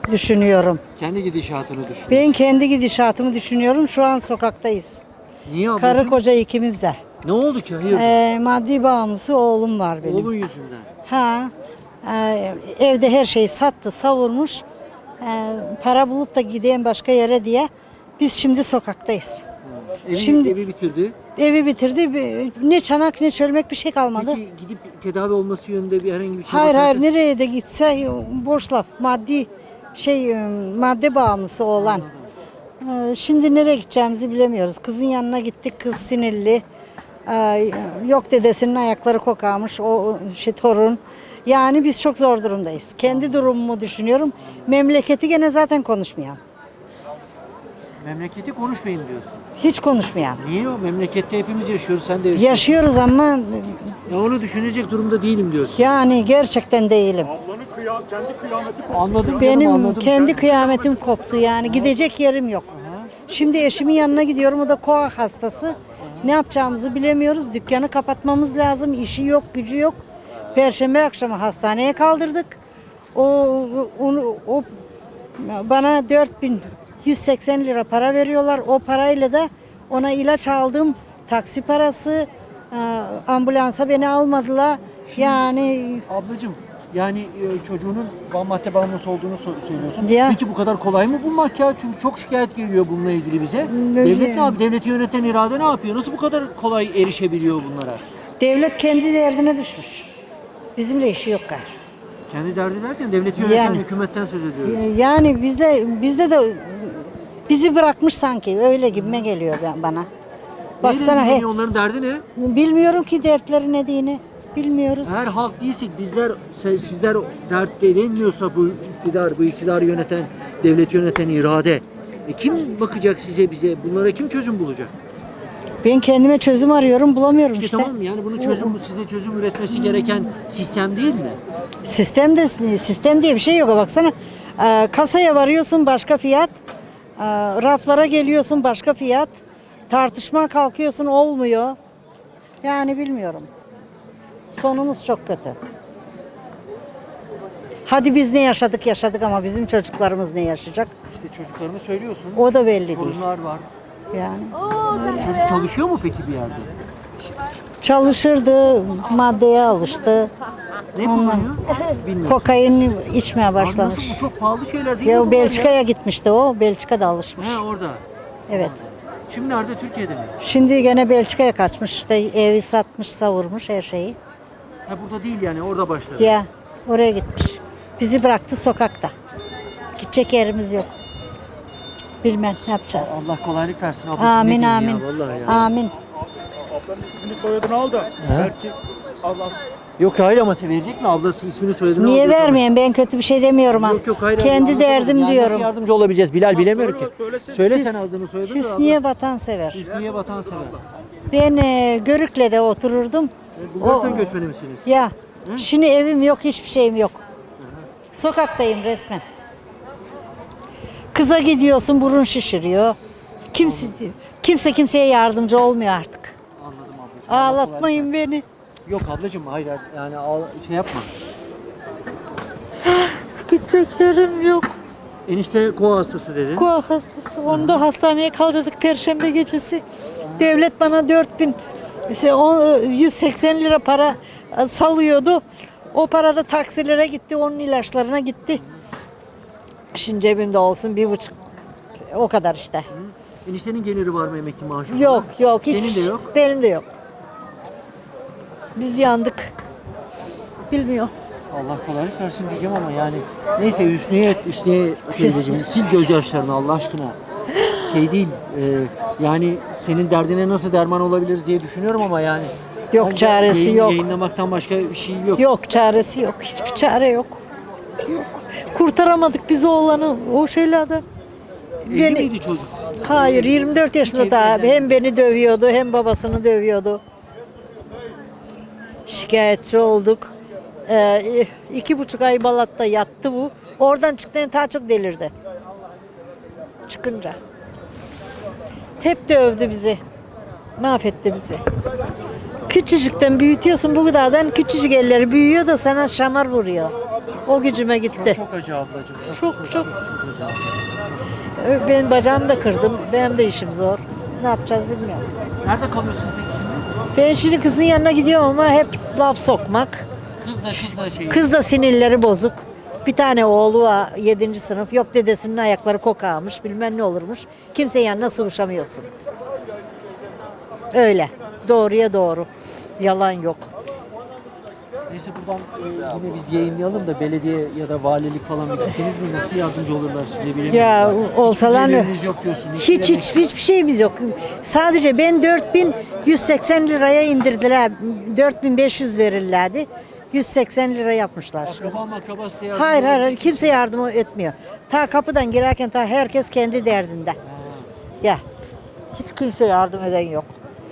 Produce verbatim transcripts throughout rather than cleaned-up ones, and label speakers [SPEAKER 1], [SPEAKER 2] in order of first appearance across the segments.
[SPEAKER 1] düşünüyorum.
[SPEAKER 2] Kendi gidişatını düşün.
[SPEAKER 1] Ben kendi gidişatımı düşünüyorum. Şu an sokaktayız.
[SPEAKER 2] Niye ablacığım?
[SPEAKER 1] Karı koca ikimiz de.
[SPEAKER 2] Ne oldu ki? Hayırdır?
[SPEAKER 1] Ee, maddi bağımlısı oğlum var benim.
[SPEAKER 2] Oğlun yüzünden.
[SPEAKER 1] Ha, e, evde her şeyi sattı, savurmuş. E, para bulup da gideyim başka yere diye. Biz şimdi sokaktayız.
[SPEAKER 2] Evi,
[SPEAKER 1] Şimdi-
[SPEAKER 2] evi bitirdi.
[SPEAKER 1] Evi bitirdi. bir- Ne çanak ne çölmek bir şey kalmadı.
[SPEAKER 2] Peki gidip tedavi olması yönünde bir herhangi bir şey
[SPEAKER 1] Hayır
[SPEAKER 2] var mı?
[SPEAKER 1] hayır nereye de gitse boş laf. Maddi şey e, madde bağımlısı olan. E, Şimdi nereye gideceğimizi bilemiyoruz. Kızın yanına gittik. Kız sinirli. E, Yok dedesinin ayakları kokarmış. O şey torun. Yani biz çok zor durumdayız. Kendi durumumu düşünüyorum. Memleketi gene zaten konuşmayan.
[SPEAKER 2] Memleketi konuşmayın diyorsun.
[SPEAKER 1] Hiç konuşmayan.
[SPEAKER 2] Niye o? Memlekette hepimiz yaşıyoruz. Sen de yaşıyorsun.
[SPEAKER 1] Yaşıyoruz ama
[SPEAKER 2] Ya onu düşünecek durumda değilim diyorsun.
[SPEAKER 1] yani gerçekten değilim.
[SPEAKER 3] Ablanın kıyam, kendi kıyameti koptu.
[SPEAKER 2] Anladım canım,
[SPEAKER 1] Benim
[SPEAKER 2] anladım.
[SPEAKER 1] kendi
[SPEAKER 2] Sen-
[SPEAKER 1] kıyametim koptu yani gidecek yerim yok. Şimdi eşimin yanına gidiyorum, o da koa hastası. Ne yapacağımızı bilemiyoruz. Dükkanı kapatmamız lazım. İşi yok, gücü yok. Perşembe akşamı hastaneye kaldırdık. O onu o bana dört bin yüz seksen lira para veriyorlar. O parayla da ona ilaç aldım. Taksi parası, e, ambulansa beni almadılar. Yani
[SPEAKER 2] Ablacığım yani e, çocuğunun bam madde bağımlısı olduğunu so- söylüyorsun.
[SPEAKER 1] Ya.
[SPEAKER 2] Peki bu kadar kolay mı bulmak ya? Çünkü çok şikayet geliyor bununla ilgili bize.
[SPEAKER 1] Öyle.
[SPEAKER 2] Devlet ne yapıyor? Devleti yöneten irade ne yapıyor? Nasıl bu kadar kolay erişebiliyor bunlara?
[SPEAKER 1] devlet kendi derdine düşmüş. Bizimle işi yok gayrı.
[SPEAKER 2] Kendi derdi derken devleti yöneten
[SPEAKER 1] Yani.
[SPEAKER 2] hükümetten söz ediyoruz.
[SPEAKER 1] Yani bizde bizde de bizi bırakmış sanki öyle gibime geliyor ben- bana. Baksana
[SPEAKER 2] Neyle
[SPEAKER 1] he,
[SPEAKER 2] ilgileniyor? Onların derdi ne?
[SPEAKER 1] bilmiyorum ki dertleri ne diyeni. Bilmiyoruz.
[SPEAKER 2] Eğer halk değilsek bizler se- sizler dert denilmiyorsa bu iktidar, bu iktidarı yöneten, devleti yöneten irade. E kim bakacak size bize? Bunlara kim çözüm bulacak?
[SPEAKER 1] Ben kendime çözüm arıyorum, bulamıyorum
[SPEAKER 2] İşte,
[SPEAKER 1] işte.
[SPEAKER 2] tamam mı? Yani bunun çözüm bu size çözüm üretmesi gereken sistem değil mi?
[SPEAKER 1] Sistemde sistem diye bir şey yok. Baksana e, kasaya varıyorsun başka fiyat, e, raflara geliyorsun başka fiyat, tartışma kalkıyorsun olmuyor. Yani bilmiyorum. Sonumuz çok kötü. Hadi biz ne yaşadık yaşadık ama bizim çocuklarımız ne yaşayacak?
[SPEAKER 2] İşte çocuklarını söylüyorsun.
[SPEAKER 1] O da belli değil.
[SPEAKER 2] Sorunlar var.
[SPEAKER 1] Yani
[SPEAKER 2] Çocuk çalışıyor mu peki bir yerde?
[SPEAKER 1] çalışırdı, maddeye alıştı.
[SPEAKER 2] Ne kullanıyor? Bilmiyorum.
[SPEAKER 1] Kokain içmeye
[SPEAKER 2] Abi nasıl
[SPEAKER 1] başlamış.
[SPEAKER 2] bu çok pahalı şeyler değil mi
[SPEAKER 1] Ya
[SPEAKER 2] bunlar
[SPEAKER 1] Belçika'ya gitmişti o. Belçika'da alışmış.
[SPEAKER 2] He orada.
[SPEAKER 1] Evet.
[SPEAKER 2] Şimdi nerede? Türkiye'de mi?
[SPEAKER 1] Şimdi gene Belçika'ya kaçmış. İşte evi satmış, savurmuş her şeyi.
[SPEAKER 2] Ha burada değil yani orada başladı.
[SPEAKER 1] Ya oraya gitmiş. Bizi bıraktı sokakta. Gidecek yerimiz yok. Bilmem ne yapacağız.
[SPEAKER 2] Allah kolaylık versin. Abi,
[SPEAKER 1] Amin
[SPEAKER 2] ne diyeyim
[SPEAKER 1] amin.
[SPEAKER 2] Ya, vallahi ya.
[SPEAKER 1] Amin.
[SPEAKER 3] Ablanın ismini soyadını al da. Belki Allah
[SPEAKER 2] Yok hayır ama sen verecek mi ablası ismini soyadını
[SPEAKER 1] Niye
[SPEAKER 2] alıyor tabii.
[SPEAKER 1] vermeyin? Ben kötü bir şey demiyorum ha.
[SPEAKER 2] Yok yok hayır. hayır,
[SPEAKER 1] Kendi
[SPEAKER 2] anlatamadım.
[SPEAKER 1] derdim
[SPEAKER 2] Yani
[SPEAKER 1] diyorum.
[SPEAKER 2] nasıl yardımcı olabileceğiz Bilal bilemiyorum ki.
[SPEAKER 3] söyle- söylesin.
[SPEAKER 2] Söyle
[SPEAKER 1] Hüs-
[SPEAKER 2] sen aldığını soyadını. da
[SPEAKER 1] Hüsniye
[SPEAKER 2] abla.
[SPEAKER 1] vatansever.
[SPEAKER 2] Hüsniye vatansever.
[SPEAKER 1] Ben e, Görükle'de otururdum.
[SPEAKER 2] Bulgaristan
[SPEAKER 1] O-
[SPEAKER 2] göçmeni misiniz?
[SPEAKER 1] Ya şimdi evim yok, hiçbir şeyim yok. Sokaktayım resmen. Kıza gidiyorsun, burun şişiriyor. Kimse kimse kimseye yardımcı olmuyor artık.
[SPEAKER 2] Anladım ablacığım. Allah kolaylık
[SPEAKER 1] Ağlatmayın beni.
[SPEAKER 2] versin. Yok ablacığım hayır hayır. yani al, şey yapma.
[SPEAKER 1] Gidecek yerim yok.
[SPEAKER 2] Enişte koa hastası dedin.
[SPEAKER 1] Koa hastası. Onu da hastaneye kaldırdık Perşembe gecesi. Devlet bana dört bin işte on- yüz seksen lira para e, salıyordu. O para da taksilere gitti, onun ilaçlarına gitti. Şimdi cebimde olsun bir buçuk. O kadar işte.
[SPEAKER 2] Eniştenin geliri var mı emekli maaşı? falan?
[SPEAKER 1] Yok yok.
[SPEAKER 2] Senin
[SPEAKER 1] hiçbir
[SPEAKER 2] de
[SPEAKER 1] şey-
[SPEAKER 2] yok.
[SPEAKER 1] Benim de yok. Biz yandık. Bilmiyor.
[SPEAKER 2] Allah kolaylık versin diyeceğim ama yani neyse Hüsniye Hüsniye teyzeciğim sil gözyaşlarını Allah aşkına. Şey değil e, yani senin derdine nasıl derman olabiliriz diye düşünüyorum ama yani.
[SPEAKER 1] Yok,
[SPEAKER 2] bence
[SPEAKER 1] çaresi
[SPEAKER 2] yayın-
[SPEAKER 1] yok.
[SPEAKER 2] Yayınlamaktan başka bir şey yok.
[SPEAKER 1] Yok çaresi yok. Hiçbir çare yok. Yok. Kurtaramadık biz oğlanı o şeylerden.
[SPEAKER 2] Evli
[SPEAKER 1] Beni-
[SPEAKER 2] miydi çocuk?
[SPEAKER 1] Hayır yirmi dört yaşında
[SPEAKER 2] Hiç
[SPEAKER 1] da
[SPEAKER 2] evlenmedi.
[SPEAKER 1] hem beni dövüyordu hem babasını dövüyordu. Şikayetçi olduk. Ee, iki buçuk ay Balat'ta yattı bu. Oradan çıktığında daha çok delirdi. Çıkınca. Hep dövdü bizi. Mahvetti bizi. Küçücükten büyütüyorsun bu kadardan küçücük elleri büyüyor da sana şamar vuruyor. O gücüme gitti.
[SPEAKER 2] Çok acı ablacığım.
[SPEAKER 1] Çok, çok.
[SPEAKER 2] çok acı.
[SPEAKER 1] Ben bacağımı da kırdım. Benim de işim zor. Ne yapacağız bilmiyorum.
[SPEAKER 2] Nerede kalıyorsunuz peki şimdi?
[SPEAKER 1] Ben şimdi kızın yanına gidiyorum ama hep laf sokmak.
[SPEAKER 2] Kız da kız da şey.
[SPEAKER 1] Kız da sinirleri bozuk. Bir tane oğlu var yedinci sınıf. Yok dedesinin ayakları kokağmış bilmem ne olurmuş. Kimsenin yanına sıvışamıyorsun. Öyle. Doğruya doğru. Yalan yok.
[SPEAKER 2] Neyse buradan e, yine biz yayınlayalım da belediye ya da valilik falan bir gittiniz mi? Nasıl yardımcı olurlar size bilemiyorum.
[SPEAKER 1] Ya olsalar
[SPEAKER 2] Hiçbir geliriniz yok diyorsun.
[SPEAKER 1] hiç hiç hiçbir şeyimiz yok. Sadece ben dört bin yüz seksen liraya indirdiler. dört bin beş yüz verirlerdi. yüz seksen lira yapmışlar.
[SPEAKER 2] Akraba makraba size yardımcı
[SPEAKER 1] Hayır hayır
[SPEAKER 2] olur mu?
[SPEAKER 1] hayır, kimse yardım etmiyor. Ta kapıdan girerken ta herkes kendi derdinde. Ya hiç kimse yardım eden yok.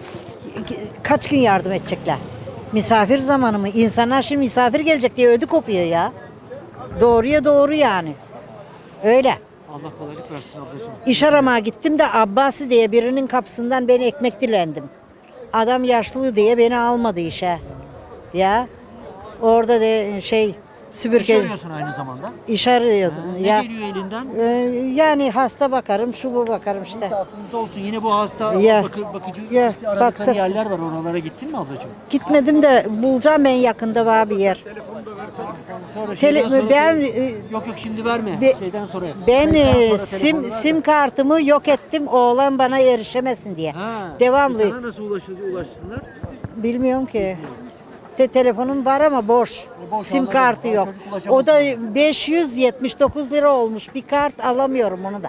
[SPEAKER 1] Kaç gün yardım edecekler? Misafir zamanı mı? İnsanlar şimdi misafir gelecek diye ödü kopuyor ya. Doğruya doğru yani. Öyle.
[SPEAKER 2] Allah kolaylık versin ablacığım.
[SPEAKER 1] İş aramaya gittim de Abbasi diye birinin kapısından ben ekmek dilendim. Adam yaşlı diye beni almadı işe. Ya orada de şey
[SPEAKER 2] İş
[SPEAKER 1] süpürge
[SPEAKER 2] arıyorsun aynı zamanda.
[SPEAKER 1] iş arıyordum.
[SPEAKER 2] Ha, ne
[SPEAKER 1] Ya
[SPEAKER 2] geliyor elinden?
[SPEAKER 1] e, yani hasta bakarım, şu bu bakarım işte.
[SPEAKER 2] Neyse aklınızda olsun. Yine bu hasta
[SPEAKER 1] Ya.
[SPEAKER 2] bakı, bakıcı
[SPEAKER 1] Ya,
[SPEAKER 2] işte aradıkları
[SPEAKER 1] bakacağız.
[SPEAKER 2] yerler var. Oralara gittin mi ablacığım?
[SPEAKER 1] Gitmedim de bulacağım ben yakında var bir yer.
[SPEAKER 2] Sonra
[SPEAKER 1] Tele-
[SPEAKER 2] şeyden sonra
[SPEAKER 1] ben,
[SPEAKER 2] şey-
[SPEAKER 1] e,
[SPEAKER 2] yok yok şimdi verme.
[SPEAKER 1] Be-
[SPEAKER 2] şeyden sonra.
[SPEAKER 1] Ben
[SPEAKER 2] Kayıttan
[SPEAKER 1] e,
[SPEAKER 2] sonra telefonu
[SPEAKER 1] sim
[SPEAKER 2] ver de.
[SPEAKER 1] sim kartımı yok ettim oğlan bana erişemesin diye.
[SPEAKER 2] Ha,
[SPEAKER 1] Devamlı.
[SPEAKER 2] e Sana nasıl ulaşır, ulaşsınlar?
[SPEAKER 1] Bilmiyorum ki. Te telefonum var ama boş.
[SPEAKER 2] E, boş,
[SPEAKER 1] Sim
[SPEAKER 2] anladım.
[SPEAKER 1] kartı
[SPEAKER 2] Ha,
[SPEAKER 1] yok.
[SPEAKER 2] çocuk ulaşamaz
[SPEAKER 1] O da
[SPEAKER 2] sana.
[SPEAKER 1] beş yüz yetmiş dokuz lira olmuş. Bir kart alamıyorum onu da.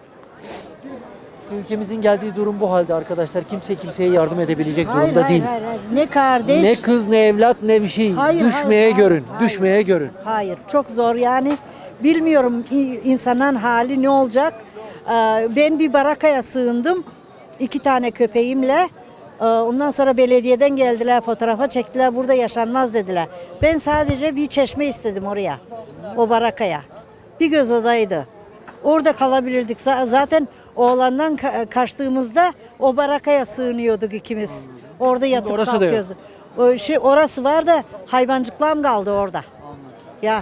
[SPEAKER 2] Ülkemizin geldiği durum bu halde arkadaşlar. Kimse kimseye yardım edebilecek
[SPEAKER 1] Hayır,
[SPEAKER 2] durumda
[SPEAKER 1] hayır,
[SPEAKER 2] değil.
[SPEAKER 1] hayır, hayır. Ne kardeş?
[SPEAKER 2] Ne kız ne evlat ne bir şey.
[SPEAKER 1] Hayır,
[SPEAKER 2] Düşmeye
[SPEAKER 1] hayır,
[SPEAKER 2] görün.
[SPEAKER 1] hayır,
[SPEAKER 2] Düşmeye görün.
[SPEAKER 1] Hayır, çok zor yani. Bilmiyorum i- insanın hali ne olacak. Ee, Ben bir barakaya sığındım. İki tane köpeğimle. Ee, Ondan sonra belediyeden geldiler, fotoğrafa çektiler. Burada yaşanmaz dediler. Ben sadece bir çeşme istedim oraya. O barakaya. Bir göz odaydı. Orada kalabilirdik. Z- Zaten oğlandan ka- kaçtığımızda o barakaya sığınıyorduk ikimiz. Orada yatıp
[SPEAKER 2] orası da yok.
[SPEAKER 1] kalkıyoruz. O şey, orası var da hayvancıklarım kaldı orada. Ya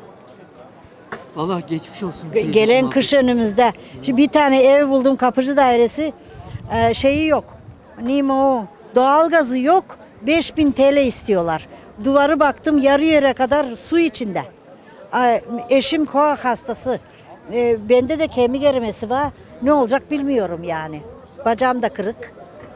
[SPEAKER 2] Allah geçmiş olsun.
[SPEAKER 1] ge-
[SPEAKER 2] teyzeciğim
[SPEAKER 1] gelen
[SPEAKER 2] abla.
[SPEAKER 1] kış önümüzde. Şimdi bir tane ev buldum kapıcı dairesi. Ee, şeyi yok. Neyim o? Doğalgazı yok. beş bin T L istiyorlar. Duvarı baktım yarı yere kadar su içinde. Ay, eşim koa hastası. Ee, bende de kemik erimesi var. Ne olacak bilmiyorum yani. Bacağım da kırık.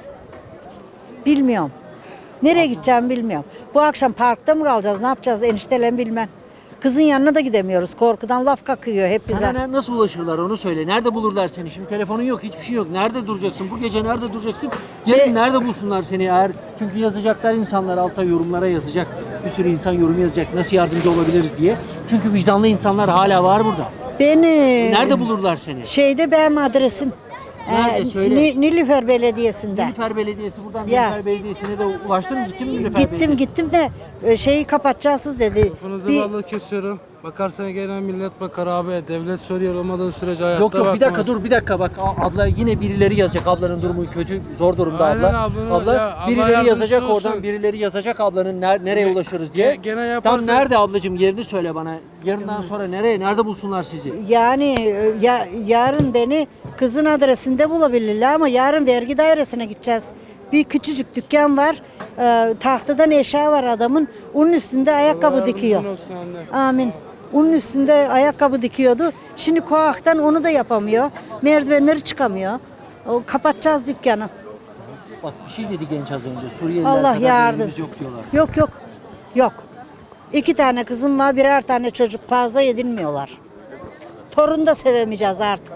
[SPEAKER 1] Bilmiyorum. Nereye gideceğim bilmiyorum. Bu akşam parkta mı kalacağız? Ne yapacağız? Eniştelen bilmem. Kızın yanına da gidemiyoruz. Korkudan laf kakıyor hep
[SPEAKER 2] Sana
[SPEAKER 1] bize.
[SPEAKER 2] ne- nasıl ulaşırlar onu söyle. Nerede bulurlar seni? Şimdi telefonun yok, hiçbir şey yok. Nerede duracaksın? Bu gece nerede duracaksın? Yarın
[SPEAKER 1] Ve-
[SPEAKER 2] nerede bulsunlar seni eğer? Çünkü yazacaklar insanlar alta yorumlara yazacak. Bir sürü insan yorum yazacak. Nasıl yardımcı olabiliriz diye. Çünkü vicdanlı insanlar hala var burada.
[SPEAKER 1] Beni
[SPEAKER 2] Nerede bulurlar seni?
[SPEAKER 1] şeyde benim adresim.
[SPEAKER 2] Nerede?
[SPEAKER 1] Ee,
[SPEAKER 2] Söyle.
[SPEAKER 1] Ni- Nilüfer Belediyesi'nde.
[SPEAKER 2] Nilüfer Belediyesi buradan
[SPEAKER 1] Ya.
[SPEAKER 2] Nilüfer Belediyesi'ne de ulaştın mı? Gittin mi Nilüfer
[SPEAKER 1] Gittim
[SPEAKER 2] Belediyesi'ne?
[SPEAKER 1] gittim de e, şeyi kapatacaksınız dedi.
[SPEAKER 4] Telefonunuzu
[SPEAKER 1] Bir-
[SPEAKER 4] vallahi kesiyorum. Bakarsan gelen millet bakar abi. Devlet soruyor olmadığı sürece ayakta
[SPEAKER 2] Yok yok bir dakika
[SPEAKER 4] bakmaz.
[SPEAKER 2] dur bir dakika bak A- abla yine birileri yazacak ablanın durumu kötü zor durumda
[SPEAKER 4] Aynen
[SPEAKER 2] abla.
[SPEAKER 4] ablanın-
[SPEAKER 2] abla
[SPEAKER 4] ya, Allah
[SPEAKER 2] birileri
[SPEAKER 4] yardımcısı
[SPEAKER 2] yazacak
[SPEAKER 4] olsun.
[SPEAKER 2] oradan birileri yazacak ablanın ner- nereye
[SPEAKER 4] Ge-
[SPEAKER 2] ulaşırız diye.
[SPEAKER 4] ge- gene
[SPEAKER 2] Tam
[SPEAKER 4] yaparsa-
[SPEAKER 2] nerede ablacığım yerini söyle bana. Yarından sonra nereye nerede bulsunlar sizi?
[SPEAKER 1] Yani e, ya, yarın beni kızın adresinde bulabilirler ama yarın vergi dairesine gideceğiz. Bir küçücük dükkan var. E, tahtadan eşya var adamın. Onun üstünde ayakkabı
[SPEAKER 4] Allah
[SPEAKER 1] dikiyor.
[SPEAKER 4] yardımcın olsun anne.
[SPEAKER 1] Amin. Onun üstünde ayakkabı dikiyordu. Şimdi koaktan onu da yapamıyor. Merdivenleri çıkamıyor. O, kapatacağız dükkanı.
[SPEAKER 2] Bak bir şey dedi genç az önce. Suriyeliler
[SPEAKER 1] Allah
[SPEAKER 2] kadar
[SPEAKER 1] yardım.
[SPEAKER 2] değerimiz yok diyorlar.
[SPEAKER 1] Yok yok. Yok. İki tane kızım var, birer tane çocuk fazla edinmiyorlar. Torun da sevemeyeceğiz artık.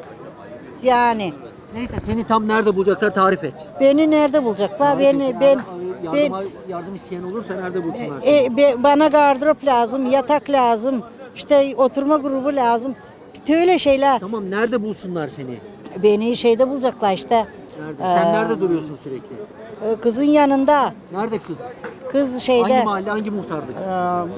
[SPEAKER 1] Yani
[SPEAKER 2] Neyse seni tam nerede bulacaklar tarif et.
[SPEAKER 1] beni nerede bulacaklar?
[SPEAKER 2] Tarif et.
[SPEAKER 1] Beni
[SPEAKER 2] Eğer,
[SPEAKER 1] ben
[SPEAKER 2] e,
[SPEAKER 1] ben
[SPEAKER 2] yardıma, yardım isteyen olursa nerede bulsunlar seni?
[SPEAKER 1] e, be- bana gardırop lazım, yatak lazım, işte oturma grubu lazım. Öyle şeyler.
[SPEAKER 2] Tamam nerede bulsunlar seni?
[SPEAKER 1] Beni şeyde bulacaklar işte.
[SPEAKER 2] Nerede? Sen
[SPEAKER 1] Ee,
[SPEAKER 2] nerede duruyorsun sürekli?
[SPEAKER 1] e, Kızın yanında.
[SPEAKER 2] Nerede kız?
[SPEAKER 1] Kız şeyde.
[SPEAKER 2] Hangi mahalle hangi muhtarlık?
[SPEAKER 1] e,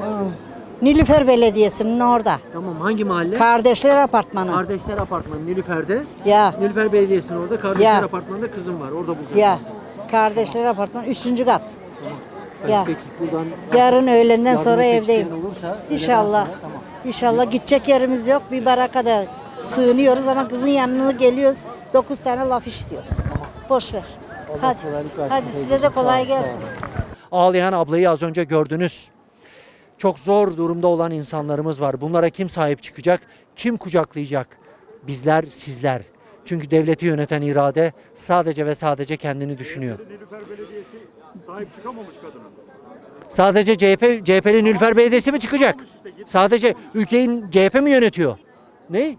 [SPEAKER 1] Nilüfer Belediyesi'nin orada.
[SPEAKER 2] Tamam hangi mahalle?
[SPEAKER 1] Kardeşler Apartmanı.
[SPEAKER 2] Kardeşler Apartmanı Nilüfer'de.
[SPEAKER 1] Ya.
[SPEAKER 2] Nilüfer Belediyesi'nin orada Kardeşler
[SPEAKER 1] Ya.
[SPEAKER 2] Apartmanı'nda kızım var. Orada bulacağız.
[SPEAKER 1] Ya. Kardeşler Apartmanı üçüncü kat.
[SPEAKER 2] Evet,
[SPEAKER 1] Ya.
[SPEAKER 2] Peki buradan
[SPEAKER 1] Yarın öğlenden
[SPEAKER 2] yardım
[SPEAKER 1] sonra
[SPEAKER 2] etmek
[SPEAKER 1] evdeyim.
[SPEAKER 2] isteyen olursa öğleden
[SPEAKER 1] İnşallah.
[SPEAKER 2] sonra, tamam.
[SPEAKER 1] İnşallah gidecek yerimiz yok. Bir barakada sığınıyoruz ama kızın yanına geliyoruz. Dokuz tane laf işliyoruz. Boş ver. Hadi.
[SPEAKER 2] kolaylık versin
[SPEAKER 1] Hadi size de
[SPEAKER 2] teyzeciğim.
[SPEAKER 1] kolay
[SPEAKER 2] Sağ ol,
[SPEAKER 1] gelsin.
[SPEAKER 2] sağ ol. Ağlayan ablayı az önce gördünüz. Çok zor durumda olan insanlarımız var. Bunlara kim sahip çıkacak? Kim kucaklayacak? Bizler, sizler. Çünkü devleti yöneten irade sadece ve sadece kendini düşünüyor.
[SPEAKER 3] Nilüfer Belediyesi sahip çıkamamış kadına.
[SPEAKER 2] Sadece C H P, C H P'li Nilüfer Belediyesi mi çıkacak? Sadece ülkeyi C H P mi yönetiyor? Ne?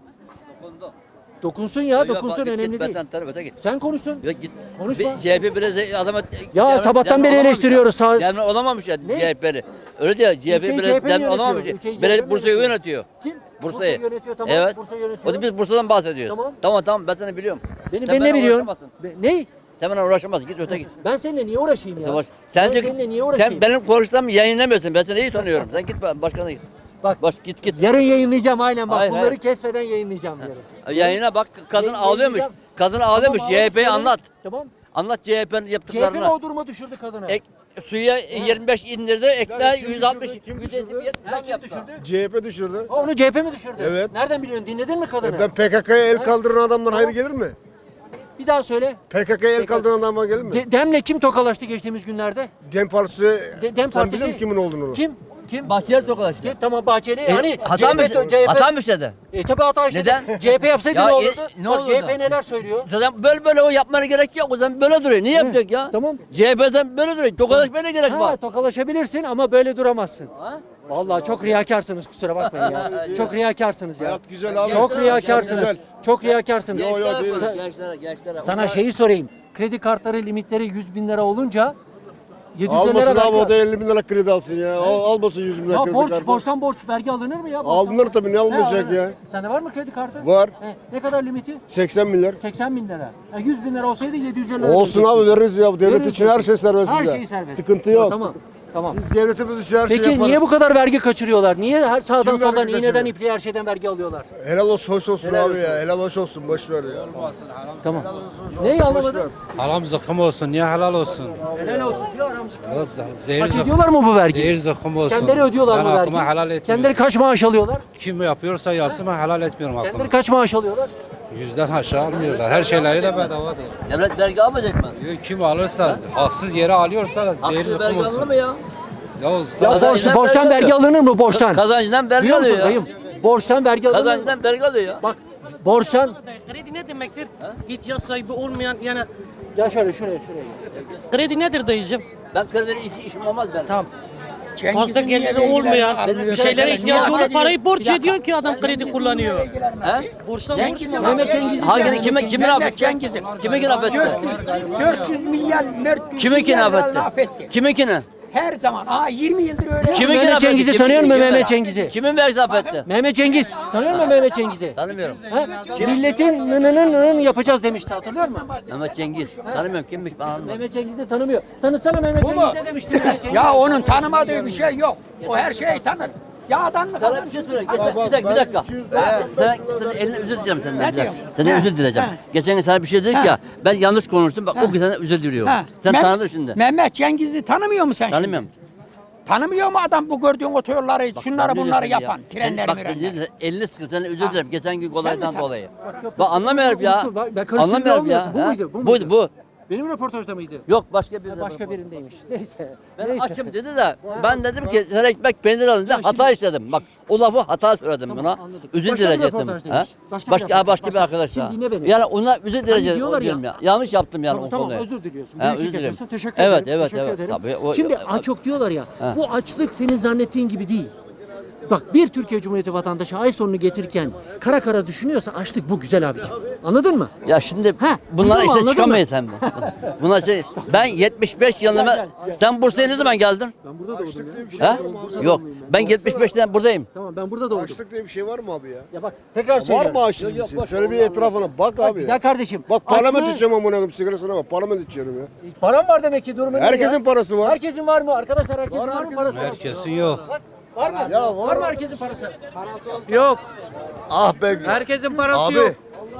[SPEAKER 2] Dokunsun ya, dokunsun, önemli değil. Sen konuştun.
[SPEAKER 5] Yok git.
[SPEAKER 2] Konuşma.
[SPEAKER 5] Bir C H P biraz adama...
[SPEAKER 2] Ya sabahtan beri eleştiriyoruz. Sağ...
[SPEAKER 5] Devre olamamış ya
[SPEAKER 2] Ne?
[SPEAKER 5] C H P'li. Öyle diyor C H P
[SPEAKER 2] Ülkeyi
[SPEAKER 5] biraz
[SPEAKER 2] C H P mi
[SPEAKER 5] devre olamamış.
[SPEAKER 2] yönetiyor? Ülkeyi C H P mi
[SPEAKER 5] Belediye Bursa'yı
[SPEAKER 2] yönetiyor?
[SPEAKER 5] yönetiyor.
[SPEAKER 2] Kim?
[SPEAKER 5] Bursa'yı.
[SPEAKER 2] yönetiyor, tamam.
[SPEAKER 5] Evet.
[SPEAKER 2] Bursa yönetiyor.
[SPEAKER 5] O da biz Bursa'dan bahsediyoruz.
[SPEAKER 2] Tamam.
[SPEAKER 5] Tamam tamam ben seni biliyorum.
[SPEAKER 2] Beni,
[SPEAKER 5] Sen
[SPEAKER 2] ben ne
[SPEAKER 5] benimle
[SPEAKER 2] biliyorum?
[SPEAKER 5] uğraşamazsın.
[SPEAKER 2] Be- ne?
[SPEAKER 5] Sen benimle uğraşamazsın. Git öte git.
[SPEAKER 2] Ben seninle niye uğraşayım ya?
[SPEAKER 5] Savaş.
[SPEAKER 2] Ben
[SPEAKER 5] Sen,
[SPEAKER 2] seninle niye uğraşayım?
[SPEAKER 5] sen benim konuştuğumu yayınlamıyorsun. Ben seni iyi tanıyorum. Sen git başkana git.
[SPEAKER 2] Bak,
[SPEAKER 5] Baş git git.
[SPEAKER 2] yarın yayınlayacağım aynen bak.
[SPEAKER 5] Hayır,
[SPEAKER 2] Bunları
[SPEAKER 5] hayır.
[SPEAKER 2] kesmeden yayınlayacağım yarın.
[SPEAKER 5] Yayına bak kadın
[SPEAKER 2] Yayın-
[SPEAKER 5] ağlıyormuş.
[SPEAKER 2] yayınlayacağım.
[SPEAKER 5] Kadın ağlıyormuş.
[SPEAKER 2] Tamam,
[SPEAKER 5] C H P'yi
[SPEAKER 2] ağlamış,
[SPEAKER 5] anlat.
[SPEAKER 2] Tamam.
[SPEAKER 5] Anlat C H P'nin
[SPEAKER 2] C H P mi
[SPEAKER 5] yaptıklarını.
[SPEAKER 2] o duruma düşürdü kadını?
[SPEAKER 5] Ek, suya yirmi beş indirdi, ekler
[SPEAKER 3] kim
[SPEAKER 5] yüz altmış,
[SPEAKER 3] düşürdü, kim
[SPEAKER 5] yüz
[SPEAKER 3] düşürdü?
[SPEAKER 5] elli
[SPEAKER 2] Ha,
[SPEAKER 5] zam
[SPEAKER 2] kim
[SPEAKER 5] yaptı.
[SPEAKER 2] düşürdü?
[SPEAKER 6] C H P düşürdü.
[SPEAKER 2] Ha, onu C H P mi düşürdü?
[SPEAKER 6] Evet.
[SPEAKER 2] Nereden biliyorsun? Dinledin mi kadını?
[SPEAKER 6] E ben P K K'ya el kaldıran adamdan hayır gelir mi?
[SPEAKER 2] Bir daha söyle.
[SPEAKER 6] P K K'ya el kaldıran adamdan gelir mi?
[SPEAKER 2] De- Dem'le kim tokalaştı geçtiğimiz günlerde?
[SPEAKER 6] Dem Partisi,
[SPEAKER 2] De- Dem
[SPEAKER 6] sen
[SPEAKER 2] Partisi-
[SPEAKER 6] biliyor musun kimin olduğunu?
[SPEAKER 2] Kim? Kim?
[SPEAKER 5] Bahçeli tokalaştı.
[SPEAKER 2] Kim? Tamam Bahçeli.
[SPEAKER 5] E,
[SPEAKER 2] hani
[SPEAKER 5] hata mı
[SPEAKER 2] C H P,
[SPEAKER 5] hata mı işledi?
[SPEAKER 2] E tabi hata işte.
[SPEAKER 5] Neden?
[SPEAKER 2] C H P yapsaydı
[SPEAKER 5] Ya,
[SPEAKER 2] ne
[SPEAKER 5] e,
[SPEAKER 2] olurdu?
[SPEAKER 5] ne
[SPEAKER 2] Bak
[SPEAKER 5] olurdu?
[SPEAKER 2] C H P neler söylüyor?
[SPEAKER 5] Zaten böyle böyle o yapmana gerek yok. O zaman böyle duruyor. Niye yapacak ya?
[SPEAKER 2] tamam.
[SPEAKER 5] C H P'den böyle duruyor. Tokalaşmaya ne gerek
[SPEAKER 2] Ha,
[SPEAKER 5] var?
[SPEAKER 2] tokalaşabilirsin ama böyle duramazsın.
[SPEAKER 5] Ha?
[SPEAKER 2] Vallahi çok riyakarsınız kusura bakmayın ya. Çok riyakarsınız ya.
[SPEAKER 6] Hayat güzel abi.
[SPEAKER 2] Çok riyakarsınız.
[SPEAKER 6] Güzel.
[SPEAKER 2] Çok riyakarsınız.
[SPEAKER 6] Yo, yo,
[SPEAKER 5] Gençlere
[SPEAKER 6] değil.
[SPEAKER 5] konuş, gençlere, gençlere.
[SPEAKER 2] Sana
[SPEAKER 5] Onlar-
[SPEAKER 2] şeyi sorayım. Kredi kartları limitleri yüz bin lira olunca yedi yüz
[SPEAKER 6] Almasın
[SPEAKER 2] lira
[SPEAKER 6] abi
[SPEAKER 2] vergi
[SPEAKER 6] o da elli bin lira kredi alsın ya. Al, almasın yüz bin lira
[SPEAKER 2] Ya
[SPEAKER 6] kredi
[SPEAKER 2] borç,
[SPEAKER 6] kartı.
[SPEAKER 2] borçtan borç vergi alınır mı ya? Borçtan
[SPEAKER 6] Alınır
[SPEAKER 2] borç.
[SPEAKER 6] tabii, ne
[SPEAKER 2] He,
[SPEAKER 6] alınacak
[SPEAKER 2] alınır.
[SPEAKER 6] ya?
[SPEAKER 2] Sende var mı kredi kartı?
[SPEAKER 6] Var.
[SPEAKER 2] He, ne kadar limiti?
[SPEAKER 6] seksen milyar.
[SPEAKER 2] seksen bin lira. Ya yüz bin lira olsaydı yedi yüz lira
[SPEAKER 6] Olsun abi
[SPEAKER 2] ödeyecektin.
[SPEAKER 6] veririz ya. Bu devlet
[SPEAKER 2] Veririz
[SPEAKER 6] için her şey serbest
[SPEAKER 2] Her
[SPEAKER 6] bize.
[SPEAKER 2] şey serbest.
[SPEAKER 6] Sıkıntı
[SPEAKER 2] Ha,
[SPEAKER 6] yok.
[SPEAKER 2] Tamam. Tamam.
[SPEAKER 6] Biz devletimiz için her şey
[SPEAKER 2] Peki
[SPEAKER 6] yaparız.
[SPEAKER 2] niye bu kadar vergi kaçırıyorlar? Niye her sağdan
[SPEAKER 6] Kim vergi
[SPEAKER 2] soldan iğneden
[SPEAKER 6] kaçırıyor?
[SPEAKER 2] ipliğe her şeyden vergi alıyorlar?
[SPEAKER 6] Helal olsun, hoş olsun
[SPEAKER 2] Helal
[SPEAKER 6] abi
[SPEAKER 2] olsun.
[SPEAKER 6] ya. Helal hoş olsun. Boş ver ya.
[SPEAKER 2] Tamam. Neyi
[SPEAKER 6] Boş ver.
[SPEAKER 2] anlamadın?
[SPEAKER 4] Haram zıkkım olsun. Niye helal olsun?
[SPEAKER 2] Helal olsun diyor aramızda.
[SPEAKER 4] Zehir,
[SPEAKER 2] Hak
[SPEAKER 4] zıkkım,
[SPEAKER 2] ediyorlar mı bu vergiyi?
[SPEAKER 4] zehir zıkkım olsun.
[SPEAKER 2] Kendileri ödüyorlar
[SPEAKER 4] ben
[SPEAKER 2] mı
[SPEAKER 4] aklıma helal
[SPEAKER 2] vergiyi?
[SPEAKER 4] etmiyorum.
[SPEAKER 2] Kendileri kaç maaş alıyorlar?
[SPEAKER 4] Kim yapıyorsa yapsın ben helal etmiyorum aklıma.
[SPEAKER 2] Kendileri kaç maaş alıyorlar?
[SPEAKER 4] Yüzden aşağı almıyorlar. Her şeyleri de bedavadır.
[SPEAKER 5] Devlet vergi almayacak mı?
[SPEAKER 4] Kim alırsa, haksız yere alıyorsa zehir
[SPEAKER 5] Haksız
[SPEAKER 4] zıkkım
[SPEAKER 5] vergi alınır
[SPEAKER 4] olsun.
[SPEAKER 5] mı ya?
[SPEAKER 4] Ya,
[SPEAKER 2] Ya
[SPEAKER 5] Kazancından
[SPEAKER 2] borç, borçtan
[SPEAKER 5] vergi
[SPEAKER 2] vergi alınır mı borçtan?
[SPEAKER 5] Kazancından vergi
[SPEAKER 2] Biliyor musun
[SPEAKER 5] alıyor ya.
[SPEAKER 2] dayım? Borçtan vergi alınır mı?
[SPEAKER 5] Kazancından vergi alıyor ya.
[SPEAKER 2] Bak borçtan
[SPEAKER 7] Kredi ne demektir? İhtiyaç sahibi olmayan yani
[SPEAKER 2] ya şöyle şuraya şuraya.
[SPEAKER 7] kredi nedir dayıcım?
[SPEAKER 5] Ben kredinin içi işim olmaz benim.
[SPEAKER 7] Tamam. Fazla geliri olmayan bir şeylere ihtiyacı olan parayı borç ediyor ki adam kredi kullanıyor.
[SPEAKER 5] He?
[SPEAKER 7] Borçtan
[SPEAKER 5] Cengiz
[SPEAKER 7] borç
[SPEAKER 2] Mehmet Cengiz
[SPEAKER 5] Hangi kime kimin affedecek? Kimin affetti?
[SPEAKER 8] dört yüz milyar
[SPEAKER 5] Kimin kin affetti? Kimin kini?
[SPEAKER 8] Her zaman. Aa yirmi yıldır öyle.
[SPEAKER 5] Kimin
[SPEAKER 2] Mehmet
[SPEAKER 5] affetti?
[SPEAKER 2] Cengiz'i
[SPEAKER 5] Kimin-
[SPEAKER 2] tanıyor musun
[SPEAKER 5] kimin-
[SPEAKER 2] Mehmet Cengiz'i?
[SPEAKER 5] Kimin vergisi affetti?
[SPEAKER 2] Mehmet Cengiz. Tanıyor musun Mehmet Cengiz'i?
[SPEAKER 5] Tanımıyorum.
[SPEAKER 2] Ha? Milletin nınının nının yapacağız demişti hatırlıyor musun?
[SPEAKER 5] Mehmet Cengiz. Tanımıyorum kimmiş ben anlamadım.
[SPEAKER 2] Mehmet Cengiz'i tanımıyor. Tanısana Mehmet
[SPEAKER 8] Bu mu?
[SPEAKER 2] Cengiz ne demişti Mehmet Cengiz?
[SPEAKER 8] Ya onun tanımadığı bir şey yok. O her şeyi tanır. Yağdan mı
[SPEAKER 5] Sana
[SPEAKER 8] tanır?
[SPEAKER 5] bir şey söyleyeyim. Geçen, bir dakika, bir dakika. Sen, sen eline özür dileyeceğim senden.
[SPEAKER 8] Ne
[SPEAKER 5] bir dakika.
[SPEAKER 8] diyorsun?
[SPEAKER 5] Senden
[SPEAKER 8] Ha.
[SPEAKER 5] özür dileyeceğim.
[SPEAKER 8] Ha.
[SPEAKER 5] Geçen gün sana bir şey dedik
[SPEAKER 8] Ha.
[SPEAKER 5] ya. Ben yanlış konuştum. Bak
[SPEAKER 8] Ha.
[SPEAKER 5] o gün sana özür diliyorum.
[SPEAKER 8] Ha.
[SPEAKER 5] Sen
[SPEAKER 8] Meh-
[SPEAKER 5] tanıdın şimdi.
[SPEAKER 8] Mehmet Cengiz'i tanımıyor musun sen şimdi?
[SPEAKER 5] Tanımıyorum.
[SPEAKER 8] Tanımıyor mu adam bu gördüğün otoyolları,
[SPEAKER 5] Bak,
[SPEAKER 8] şunları
[SPEAKER 5] ben ne
[SPEAKER 8] bunları
[SPEAKER 5] diyorsun
[SPEAKER 8] yapan,
[SPEAKER 5] ya?
[SPEAKER 8] trenleri
[SPEAKER 5] Bak,
[SPEAKER 8] mürenleri?
[SPEAKER 5] elini sıkı. Senden özür dilerim. Geçen gün
[SPEAKER 8] Sen mi
[SPEAKER 5] olaydan
[SPEAKER 8] tan-
[SPEAKER 5] dolayı.
[SPEAKER 2] Bak, yok,
[SPEAKER 5] Bak anlamıyorum ya.
[SPEAKER 2] Unuttum, ben- ben karıştırmıyor
[SPEAKER 5] Anlamıyorum ya.
[SPEAKER 2] olmuyorsun. Bu
[SPEAKER 5] Ha?
[SPEAKER 2] muydu, bu
[SPEAKER 5] Buydu
[SPEAKER 2] muydu?
[SPEAKER 5] bu.
[SPEAKER 2] Benim röportajda mıydı?
[SPEAKER 5] Yok başka bir
[SPEAKER 2] Ha, başka birindeymiş. Neyse.
[SPEAKER 5] Ben
[SPEAKER 2] Neyse.
[SPEAKER 5] açım dedi de ben dedim ki sen ekmek peynir alın da hata işledim. Bak o lafı hata söyledim
[SPEAKER 2] Tamam,
[SPEAKER 5] buna.
[SPEAKER 2] anladım.
[SPEAKER 5] Üzül
[SPEAKER 2] Başka bir
[SPEAKER 5] derece ettim.
[SPEAKER 2] röportajdaymış.
[SPEAKER 5] Ha?
[SPEAKER 2] Başka bir
[SPEAKER 5] Başka,
[SPEAKER 2] röportaj,
[SPEAKER 5] ha, başka bir
[SPEAKER 2] başka.
[SPEAKER 5] arkadaş
[SPEAKER 2] Şimdi
[SPEAKER 5] daha.
[SPEAKER 2] dinle beni.
[SPEAKER 5] Yani ona üzül derece
[SPEAKER 2] diyorlar ya-
[SPEAKER 5] diyorum ya. Yanlış yaptım yani
[SPEAKER 2] Tamam,
[SPEAKER 5] o
[SPEAKER 2] tamam
[SPEAKER 5] konuyu.
[SPEAKER 2] özür diliyorsun.
[SPEAKER 5] Ha,
[SPEAKER 2] Büyük
[SPEAKER 5] özür
[SPEAKER 2] iyilik
[SPEAKER 5] dilerim.
[SPEAKER 2] yapıyorsun. Teşekkür
[SPEAKER 5] Evet,
[SPEAKER 2] ederim.
[SPEAKER 5] evet,
[SPEAKER 2] teşekkür
[SPEAKER 5] evet.
[SPEAKER 2] ederim.
[SPEAKER 5] Tabii, o-
[SPEAKER 2] Şimdi
[SPEAKER 5] o-
[SPEAKER 2] aç yok diyorlar ya.
[SPEAKER 5] Ha.
[SPEAKER 2] Bu açlık senin zannettiğin gibi değil. Bak bir Türkiye Cumhuriyeti vatandaşı ay sonunu getirirken kara kara düşünüyorsa açlık bu güzel abiciğim. Anladın mı?
[SPEAKER 5] Ya şimdi
[SPEAKER 2] Ha,
[SPEAKER 5] bunlar
[SPEAKER 2] duydun mu,
[SPEAKER 5] işte
[SPEAKER 2] anladın
[SPEAKER 5] çıkamayız hem. Bunlar şey ben yetmiş beş yılında
[SPEAKER 2] Gel, gel,
[SPEAKER 5] sen Bursa'ya ne zaman geldin?
[SPEAKER 2] Ben burada doğdum ya.
[SPEAKER 5] Ha? Yok. Ben yetmiş beşten buradayım.
[SPEAKER 2] Tamam ben burada doğdum.
[SPEAKER 6] Açlık diye bir şey var mı abi ya?
[SPEAKER 2] Ya bak tekrar
[SPEAKER 6] Var
[SPEAKER 2] söylüyorum.
[SPEAKER 6] mı açlık?
[SPEAKER 5] Yok, yok,
[SPEAKER 6] bir
[SPEAKER 5] boş
[SPEAKER 6] şey? Şöyle bir
[SPEAKER 5] ver,
[SPEAKER 6] etrafına bak
[SPEAKER 2] Bak
[SPEAKER 6] abi.
[SPEAKER 2] güzel
[SPEAKER 6] ya.
[SPEAKER 2] kardeşim.
[SPEAKER 6] Bak parlament
[SPEAKER 2] Açlığı-
[SPEAKER 6] içeceğim amına koyayım sigarasına bak. Parlament içiyorum ya.
[SPEAKER 2] Param var demek ki durumu ne
[SPEAKER 6] Herkesin
[SPEAKER 2] ya?
[SPEAKER 6] parası var.
[SPEAKER 2] Herkesin var mı? Arkadaşlar herkesin
[SPEAKER 6] Var,
[SPEAKER 2] var, mı
[SPEAKER 6] herkesin
[SPEAKER 2] parası?
[SPEAKER 6] var.
[SPEAKER 4] Herkesin yok.
[SPEAKER 2] Var, var mı?
[SPEAKER 6] Ya var.
[SPEAKER 2] mı herkesin parası?
[SPEAKER 4] Yok.
[SPEAKER 6] Ah be.
[SPEAKER 4] Herkesin parası
[SPEAKER 6] Abi.
[SPEAKER 4] yok.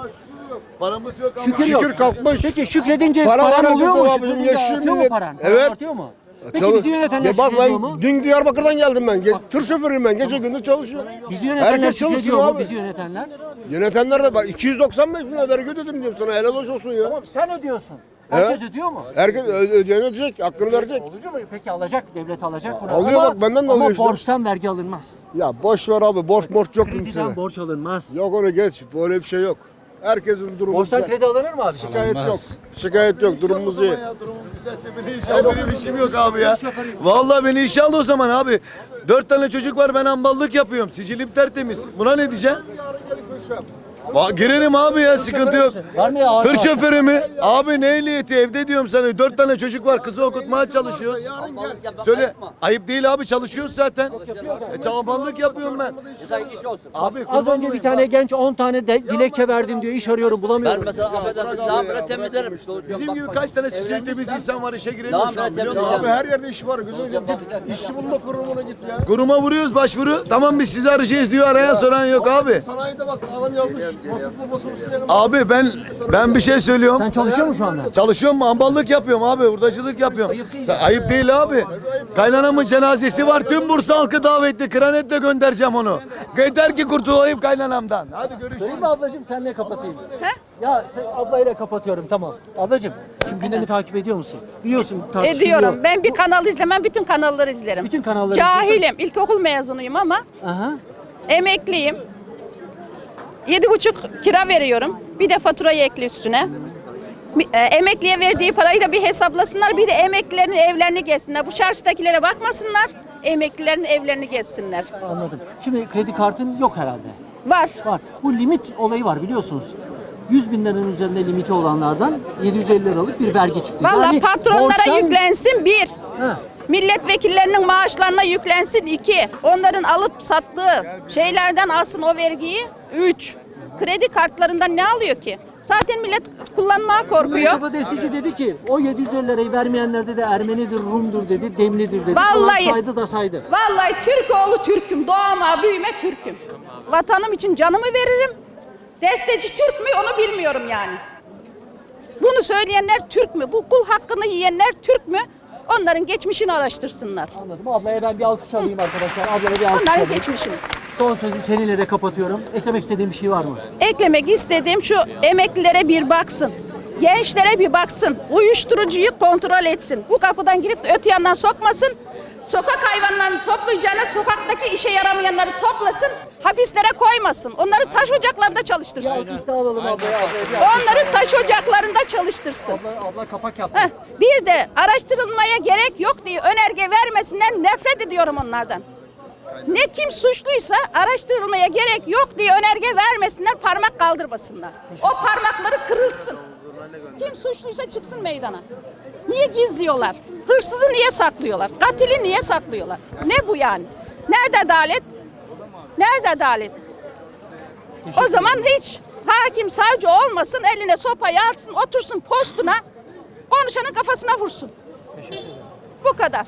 [SPEAKER 6] Paramız yok ama.
[SPEAKER 2] Şükür
[SPEAKER 6] Şükür
[SPEAKER 2] yok.
[SPEAKER 6] kalkmış.
[SPEAKER 2] Peki şükredince
[SPEAKER 6] Para var
[SPEAKER 2] paran oluyor
[SPEAKER 6] herkeste
[SPEAKER 2] mu?
[SPEAKER 6] abicim,
[SPEAKER 2] Şükredince
[SPEAKER 6] yaşıyor
[SPEAKER 2] artıyor mu
[SPEAKER 6] millet.
[SPEAKER 2] paran? Paran
[SPEAKER 6] Evet.
[SPEAKER 2] artıyor mu? Peki
[SPEAKER 6] Çalış-
[SPEAKER 2] bizi yönetenler
[SPEAKER 6] Ya bak
[SPEAKER 2] şükrediyor
[SPEAKER 6] ben
[SPEAKER 2] mu?
[SPEAKER 6] dün Diyarbakır'dan geldim ben. Ge- tır şoförüyüm ben. Gece gündüz çalışıyorum.
[SPEAKER 2] Bizi yönetenler
[SPEAKER 6] Herkes
[SPEAKER 2] şükrediyor
[SPEAKER 6] çalışıyor
[SPEAKER 2] mu?
[SPEAKER 6] abi.
[SPEAKER 2] Bizi yönetenler.
[SPEAKER 6] Yönetenler de bak iki yüz doksan beş bin lira vergi ödedim diyorum sana. Helal hoş olsun ya.
[SPEAKER 2] Tamam sen ödüyorsun. Herkes ödüyor mu?
[SPEAKER 6] Herkes ö- ödeyen ödeyecek. Hakkını verecek.
[SPEAKER 2] Oluyor mu? Peki alacak, devlet alacak bunu.
[SPEAKER 6] Alıyor
[SPEAKER 2] Ama-
[SPEAKER 6] bak, benden de
[SPEAKER 2] ama
[SPEAKER 6] alıyor işte.
[SPEAKER 2] borçtan vergi alınmaz.
[SPEAKER 6] Ya boş ver abi. Borç borç yok
[SPEAKER 2] Krediden
[SPEAKER 6] kimseye.
[SPEAKER 2] borç alınmaz.
[SPEAKER 6] Yok onu geç. Böyle bir şey yok. Herkesin durumu
[SPEAKER 2] Borçtan
[SPEAKER 6] güzel.
[SPEAKER 2] kredi alınır mı abi?
[SPEAKER 6] Şikayet yok. Şikayet yok. Durumumuz iyi.
[SPEAKER 9] Benim işim yok abi ya. Vallahi beni işe al o zaman abi. Dört tane çocuk var, ben hamballık yapıyorum. Sicilim tertemiz. Buna ne diyeceğim? Va- Girerim abi ya, sıkıntı yok.
[SPEAKER 2] Var mı ya ağaç
[SPEAKER 9] Tır
[SPEAKER 2] ağaç?
[SPEAKER 9] şoförü mü? Abi ne ehliyeti, evde diyorum sana. Dört tane çocuk var, kızı okutmaya çalışıyoruz. Söyle, ayıp değil abi, çalışıyoruz zaten. E, çalbanlık yapıyorum ben.
[SPEAKER 5] Güzel iş olsun.
[SPEAKER 9] Abi
[SPEAKER 2] Az
[SPEAKER 9] kurban
[SPEAKER 2] önce bir
[SPEAKER 9] olayım.
[SPEAKER 2] tane genç on tane de dilekçe verdim diyor. İş arıyorum
[SPEAKER 5] Ben
[SPEAKER 2] bulamıyorum.
[SPEAKER 5] mesela affedersin lambire temizlerim. İşte hocam
[SPEAKER 9] Bizim
[SPEAKER 5] bak
[SPEAKER 9] gibi
[SPEAKER 5] bak.
[SPEAKER 9] kaç tane sicil temiz insan var, işe giremiyor şu an, biliyor musun?
[SPEAKER 6] Abi her yerde iş var. Gözünü seveyim. Git işçi bulma kurumuna git ya.
[SPEAKER 9] Kuruma vuruyoruz başvuru. Tamam biz sizi arayacağız diyor, arayan soran yok abi.
[SPEAKER 6] Sanayide bak adam yazmış. Vasıflı vasıflı silelim.
[SPEAKER 9] Abi ben ben bir şey söylüyorum.
[SPEAKER 2] Sen çalışıyor musun şu anda?
[SPEAKER 9] Çalışıyorum mu? Hamballık yapıyorum abi. Hurdacılık yapıyorum.
[SPEAKER 2] Ayıp değil.
[SPEAKER 9] Sen- ayıp değil abi. Kaynanamın cenazesi var. Tüm Bursa halkı davetli. Kranetle göndereceğim onu. Yeter ki kurtulayım kaynanamdan. Hadi görüşürüz.
[SPEAKER 2] Söyleyeyim mi ablacığım senle kapatayım. Ya sen ablayla kapatıyorum tamam. Ablacığım şimdi gündemi takip ediyor musun? Biliyorsun tartışılıyor.
[SPEAKER 10] Ediyorum. Ben bir kanal izlemem, bütün kanalları izlerim.
[SPEAKER 2] Bütün kanalları
[SPEAKER 10] Cahilim, ilkokul mezunuyum ama
[SPEAKER 2] Aha.
[SPEAKER 10] emekliyim. Yedi buçuk kira veriyorum. Bir de faturayı ekli üstüne. Bir- e, Emekliye verdiği parayı da bir hesaplasınlar. Bir de emeklilerin evlerini gezsinler. Bu çarşıdakilere bakmasınlar. Emeklilerin evlerini gezsinler.
[SPEAKER 2] Anladım. Şimdi kredi kartın yok herhalde.
[SPEAKER 10] Var.
[SPEAKER 2] Var. Bu limit olayı var biliyorsunuz. yüz bin liranın üzerinde limiti olanlardan yedi yüz elli liralık bir vergi çıktı.
[SPEAKER 10] Vallahi
[SPEAKER 2] Yani
[SPEAKER 10] patronlara
[SPEAKER 2] borçtan-
[SPEAKER 10] yüklensin bir.
[SPEAKER 2] Ha.
[SPEAKER 10] Milletvekillerinin maaşlarına yüklensin iki. Onların alıp sattığı şeylerden alsın o vergiyi üç. Kredi kartlarından ne alıyor ki? Zaten millet kullanmaya korkuyor.
[SPEAKER 2] Mustafa Destici dedi ki o yedi yüz elli lirayı vermeyenlerde de Ermenidir, Rum'dur dedi, Demlidir dedi.
[SPEAKER 10] Vallahi.
[SPEAKER 2] Falan saydı da saydı.
[SPEAKER 10] Vallahi Türk oğlu Türk'üm. Doğma büyüme Türk'üm. Vatanım için canımı veririm. Desteci Türk mü onu bilmiyorum yani. Bunu söyleyenler Türk mü? Bu kul hakkını yiyenler Türk mü? Onların geçmişini araştırsınlar.
[SPEAKER 2] Anladım. Ablaya ben bir alkış alayım arkadaşlar. Ablaya bir alkış
[SPEAKER 10] Onların
[SPEAKER 2] alayım.
[SPEAKER 10] geçmişini.
[SPEAKER 2] Son sözü seninle de kapatıyorum. Eklemek istediğim bir şey var mı?
[SPEAKER 10] Eklemek istediğim şu emeklilere bir baksın. Gençlere bir baksın. Uyuşturucuyu kontrol etsin. Bu kapıdan girip de öte yandan sokmasın. Sokak hayvanlarını toplayacağına sokaktaki işe yaramayanları toplasın. Hapislere koymasın. Onları taş ocaklarında çalıştırsın.
[SPEAKER 2] Alkış da alalım ablaya. ablaya bir alkış.
[SPEAKER 10] Onları taş ocaklarında çalıştırsın.
[SPEAKER 2] Abla, abla kapak yaptı.
[SPEAKER 10] Heh, bir de araştırılmaya gerek yok diye önerge vermesinler. Nefret ediyorum onlardan. Ne kim suçluysa araştırılmaya gerek yok diye önerge vermesinler, parmak kaldırmasınlar. O parmakları kırılsın. Kim suçluysa çıksın meydana. Niye gizliyorlar? Hırsızı niye saklıyorlar? Katili niye saklıyorlar? Ne bu yani? Nerede adalet? Nerede adalet? O zaman hiç hakim savcı olmasın, eline sopayı alsın, otursun postuna, konuşanın kafasına vursun. Bu kadar.